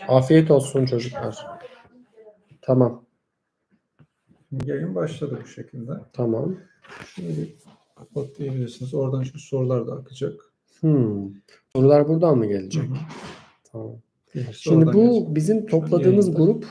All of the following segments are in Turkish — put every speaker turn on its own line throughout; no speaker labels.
Afiyet olsun çocuklar. Tamam.
Yayın başladı bu şekilde.
Tamam.
Şunu bir kapatabilirsiniz. Oradan şu sorular da akacak.
Sorular buradan mı gelecek?
Hı hı.
Tamam.
Oradan
Şimdi bu
gelecek.
bizim
Şu an
topladığımız
yayında.
grup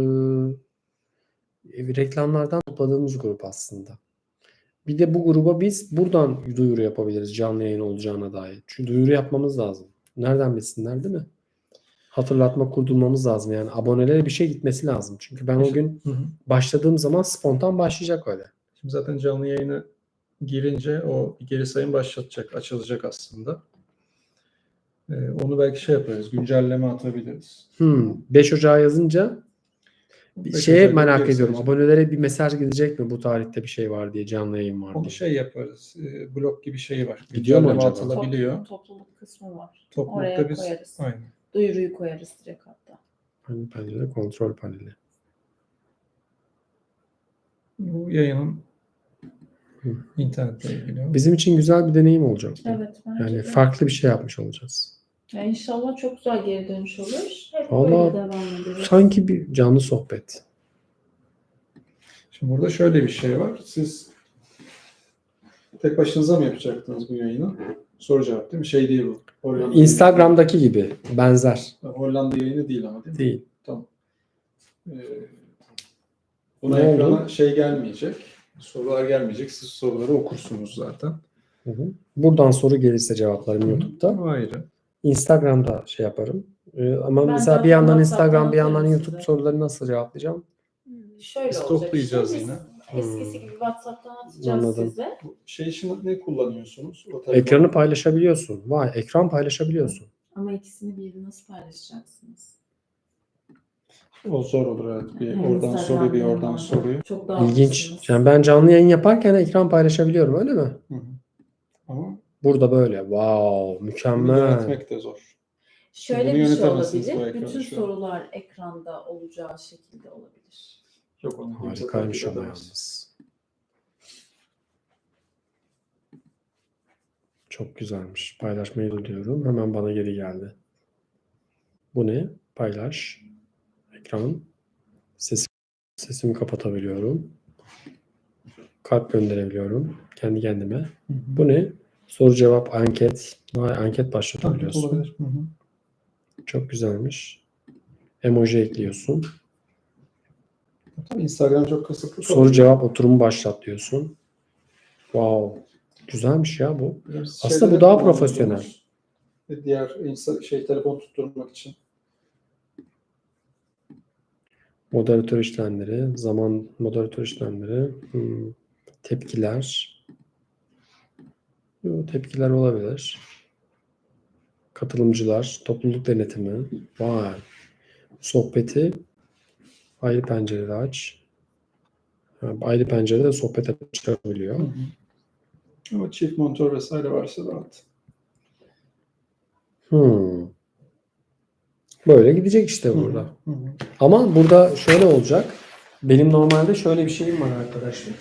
reklamlardan topladığımız grup aslında. Bir de bu gruba biz buradan duyuru yapabiliriz canlı yayın olacağına dair. Çünkü duyuru yapmamız lazım. Nereden bilsinler değil mi? Hatırlatma kurdurmamız lazım. Yani abonelere bir şey gitmesi lazım. Çünkü ben o gün başladığım zaman spontan başlayacak öyle.
Şimdi zaten canlı yayına girince o geri sayım başlatacak, açılacak aslında. Onu belki şey yaparız, güncelleme atabiliriz.
5 Ocağı yazınca bir
5
şeye
Ocak'ta
merak
geri
ediyorum.
sayacak.
Abonelere bir mesaj gidecek mi? Bu tarihte bir şey var diye, canlı yayın var
Onu
diye.
şey yaparız, blog gibi şey var.
Gidiyor mu
Güncelleme
acaba?
atılabiliyor.
Topluluk kısmı var.
Toplulukta
Oraya
biz
koyarız.
aynen.
Duyuruyu koyarız direkt hatta.
Paneli, kontrol paneli.
Bu yayının internetle ilgili.
Bizim için güzel bir deneyim olacak bu.
Evet. Bence
Yani
de.
farklı bir şey yapmış olacağız.
Ya İnşallah çok güzel geri dönüş olur. Hep
Vallahi
böyle devam ederiz.
sanki bir canlı sohbet.
Şimdi burada şöyle bir şey var. Siz tek başınıza mı yapacaktınız bu yayını? Soru cevap değil mi? Şey değil bu. Hollanda
Instagram'daki gibi benzer.
Hollanda yayını değil ama değil mi?
Değil.
Tamam. Buna
Ne
ekrana
oldu?
şey gelmeyecek. Sorular gelmeyecek. Siz soruları okursunuz zaten.
Buradan soru gelirse cevaplarım YouTube'da.
Ayrı.
Instagram'da şey yaparım. Ama
Ben
mesela bir
zaten
yandan
WhatsApp'tan
Instagram, bir yandan
atarım
YouTube
size.
soruları nasıl cevaplayacağım?
Şöyle
Biz
olacak.
toplayacağız
Biz
yine.
Eskisi gibi WhatsApp'tan atacağız
Anladım.
size.
Bu şey için ne kullanıyorsunuz? O telefon-
Ekranı paylaşabiliyorsun. Vay, ekran paylaşabiliyorsun.
Ama ikisini bir nasıl paylaşacaksınız?
O zor olur evet. Bir
Hem
oradan
Instagram'da
soruyu, bir
hem
oradan
orada.
soruyu.
Çok daha
İlginç.
haklısınız.
Yani ben canlı yayın yaparken ekran paylaşabiliyorum, öyle mi?
Hı hı. Ama
Burada böyle. Wow,
bunu
mükemmel.
yönetmek de zor.
Şöyle
Bunu
bir şey
yönetemezsiniz bu
olabilir.
ekranı
Bütün
şu an.
sorular ekranda olacağı şekilde olabilir.
Yok onu kimse
Harikaymış
takip
ama
edemez.
yalnız. Çok güzelmiş. Paylaşmayı da diyorum. Hemen bana geri geldi. Bu ne? Paylaş. Ekran. Sesimi kapatabiliyorum. Kalp gönderebiliyorum. Kendi kendime.
Hı hı.
Bu ne? Soru cevap anket. Vay, anket
Takip
başlatabiliyorsun.
olabilir. Hı hı.
Çok güzelmiş. Emoji ekliyorsun.
Tabii Instagram çok kısıtlı.
Soru cevap oturumu başlat diyorsun. Wow. Güzelmiş ya bu. Aslında bu daha profesyonel.
Diğer telefon tutturmak için.
Moderatör işlemleri, zaman moderatör işlemleri, tepkiler. Tepkiler olabilir. Katılımcılar, topluluk denetimi. Vay. Sohbeti ayrı pencerede aç. Ayrı pencerede sohbet açabiliyor.
Hı hı. Ama çift monitör vesaire varsa rahat.
Böyle gidecek işte burada.
Hı hı.
Ama burada şöyle olacak. Benim normalde şöyle bir şeyim var arkadaşlar.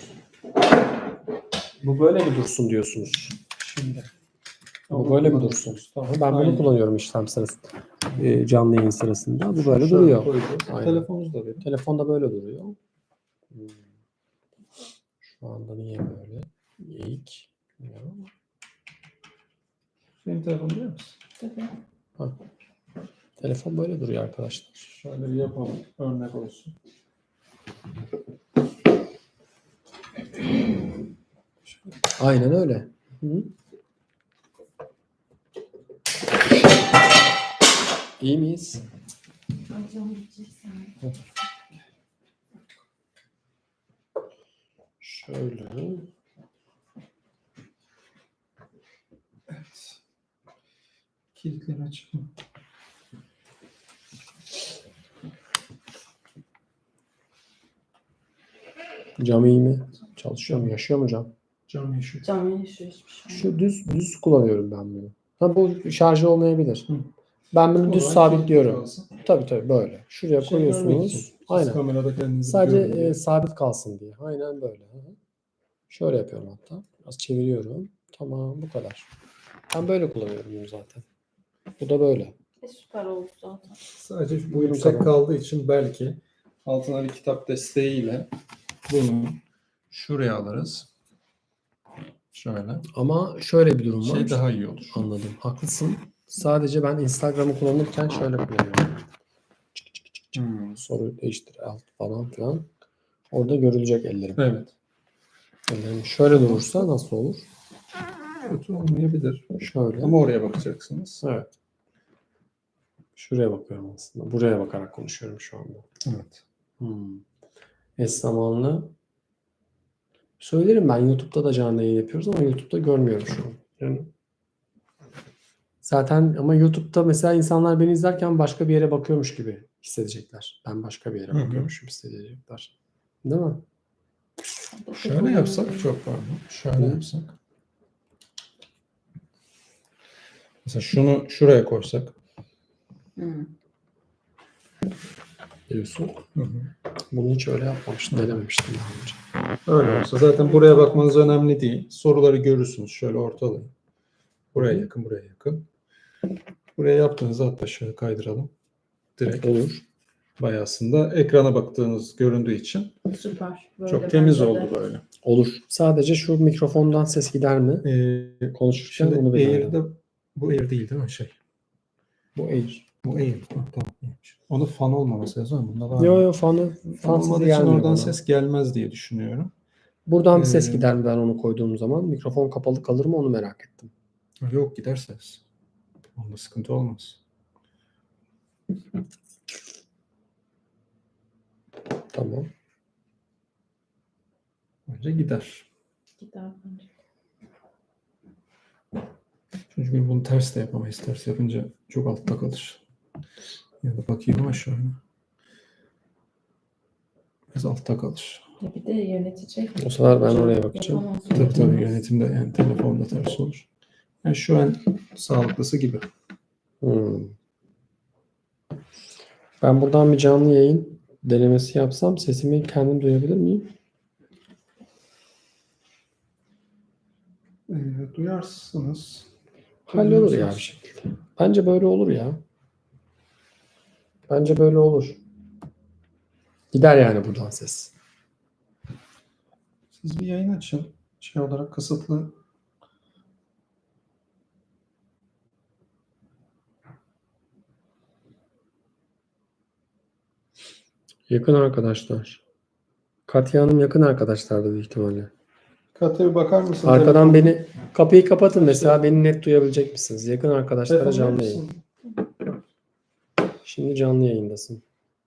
Bu böyle mi dursun diyorsunuz?
Şimdi.
Bu böyle mi dursun?
Tamam.
Ben bunu
Aynen.
kullanıyorum işlem sırasında. Canlı yayın sırasında. Bu böyle
Şöyle
duruyor.
koyacağız.
Aynen.
Telefonumuz da benim.
Telefonda böyle duruyor. Şu anda niye böyle? İlk.
Senin telefon biliyor musun?
Tabii.
Ha. Telefon böyle duruyor arkadaşlar.
Şöyle bir yapalım. Örnek olsun.
Aynen öyle. Hı. İyi miyiz? Şöyle.
Evet. Kilitleri açık mı?
Cam iyi mi? Çalışıyor mu? Yaşıyor mu cam?
Cam yaşıyor.
Canlı yaşıyor hiçbir şey.
Şu düz kullanıyorum ben bunu. Ha, bu şarjı olmayabilir.
Hı.
Ben bunu
O
düz
zaman
sabitliyorum.
kilitli kalsın.
Tabii böyle. Şuraya
Şey görmek için.
koyuyorsunuz.
Siz
Aynen.
kamerada kendinizi
Sadece
görün diye.
sabit kalsın diye. Aynen böyle. Hı hı. Şöyle yapıyorum hatta. Biraz çeviriyorum. Tamam, bu kadar. Ben böyle kullanıyorum bunu zaten. Bu da böyle.
Süper oldu zaten.
Sadece bu
Buyurun,
yüksek
tamam.
kaldığı için belki altına bir kitap desteğiyle bunu şuraya alırız. Şöyle.
Ama şöyle bir durum var.
Şey daha iyi olur.
Anladım. Haklısın. Sadece ben Instagram'ı kullanırken şöyle kullanıyorum. Soru değiştir alt falan filan. Orada görülecek ellerim.
Evet.
Ellerim şöyle durursa nasıl olur?
Kötü olmayabilir.
Şöyle.
Ama oraya bakacaksınız.
Evet. Şuraya bakıyorum aslında. Buraya bakarak konuşuyorum şu anda.
Evet.
Eş zamanlı. Söylerim, ben YouTube'da da canlı yayın yapıyoruz ama YouTube'da görmüyorum şu an. Yani zaten ama YouTube'da mesela insanlar beni izlerken başka bir yere bakıyormuş gibi hissedecekler. Ben başka bir yere
Hı hı.
bakıyormuşum hissedecekler. Değil mi?
Şöyle yapsak çok pardon. Şöyle
Hı.
yapsak. Mesela şunu şuraya koysak.
Diyorsun.
Hı hı.
Bunu hiç öyle yapmamıştım. Denememiştim daha önce.
Öyle olsa zaten buraya bakmanız önemli değil. Soruları görürsünüz. Şöyle ortalayın. Buraya yakın, buraya yakın. Buraya yaptığınızda hatta şöyle kaydıralım. Direkt
Olur.
bayağı aslında ekrana baktığınız göründüğü için
Süper. Böyle
çok temiz
bence
oldu
de.
böyle.
Olur. Sadece şu mikrofondan ses gider mi? Konuşurken
Şimdi
onu bilmiyorum.
Air'de bu Air değil mi şey?
Bu Air.
Bu Air. Ha, tamam. iyiymiş. Onun fan olmaması lazım. Bunda var
Yo
mı?
yo fan
Fan
sesi
olmadığı için
gelmiyor
oradan
bana.
ses gelmez diye düşünüyorum.
Buradan bir ses
Ee,
gider mi ben onu koyduğum zaman? Mikrofon kapalı kalır mı onu merak ettim.
Yok gider ses. Onda sıkıntı olmaz.
Tamam.
Bence gider.
Gider bence.
Çünkü bunu ters de yapamayız. Ters yapınca çok altta kalır. Ya da bakayım ama şöyle. Biraz altta kalır.
Bir de yönetecek.
O sefer ben oraya bakacağım.
Yapamaz.
Tabii yönetimde yani telefonda ters olur. Yani şu an sağlıklısı gibi.
Ben buradan bir canlı yayın denemesi yapsam sesimi kendim duyabilir miyim?
Duyarsınız.
Hallolur ya bir şekilde. Bence böyle olur ya. Bence böyle olur. Gider yani buradan ses.
Siz bir yayın açın. Şey olarak kısıtlı.
Yakın arkadaşlar. Katya Hanım yakın arkadaşlardı büyük ihtimalle.
Katya bir bakar mısın?
Arkadan
Telefon-
beni kapıyı kapatın mesela, beni net duyabilecek misiniz? Yakın arkadaşlara
Telefon verir
canlı yayın.
misin?
Şimdi canlı yayındasın.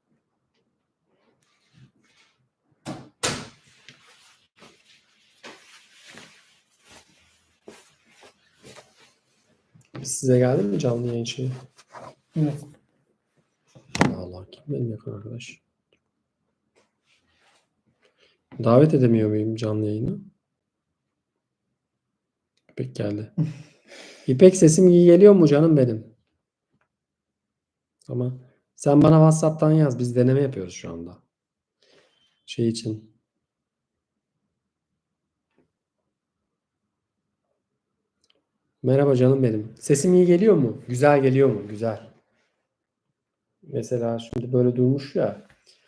Size geldi mi canlı yayın şeyi?
Yok.
Allah, kim benim yakın arkadaş? Davet edemiyor muyum canlı yayına? İpek geldi. İpek, sesim iyi geliyor mu canım benim? Ama sen bana WhatsApp'tan yaz. Biz deneme yapıyoruz şu anda. Şey için. Merhaba canım benim. Sesim iyi geliyor mu? Güzel geliyor mu? Güzel. Mesela şimdi böyle durmuş ya.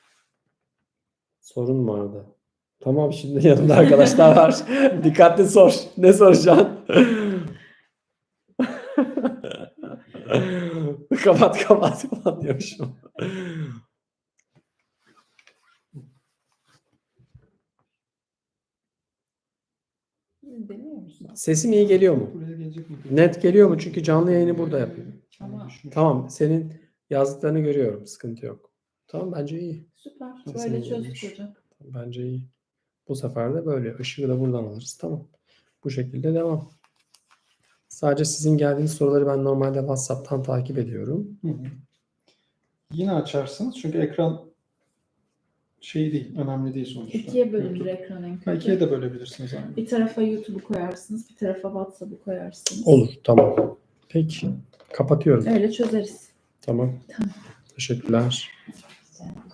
Sorun vardı. Tamam, şimdi yanımda arkadaşlar var. Dikkatli sor. Ne soracaksın? kapat diyormuşum.
Deniyor musun?
Sesim iyi geliyor mu?
Buraya gelecek mi?
Net geliyor mu? Çünkü canlı yayını burada yapıyorum.
Ama
Tamam, senin yazdıklarını görüyorum. Sıkıntı yok. Tamam, bence iyi.
süper.
Nasıl
Böyle
olmuş?
çözdük hocam.
Bence iyi. Bu sefer de böyle. Işığı da buradan alırız. Tamam. Bu şekilde devam. Sadece sizin geldiğiniz soruları ben normalde WhatsApp'tan takip ediyorum.
Hı hı. Yine açarsınız çünkü ekran şey değil, önemli değil sonuçta.
İkiye bölünür
YouTube.
ekran en
Ha,
kötü.
ikiye de bölebilirsiniz aynı.
Bir tarafa YouTube'u koyarsınız, bir tarafa WhatsApp'ı koyarsınız.
Olur. Tamam. Peki. Kapatıyorum.
Öyle çözeriz.
Tamam.
Tamam.
Teşekkürler.
Güzel.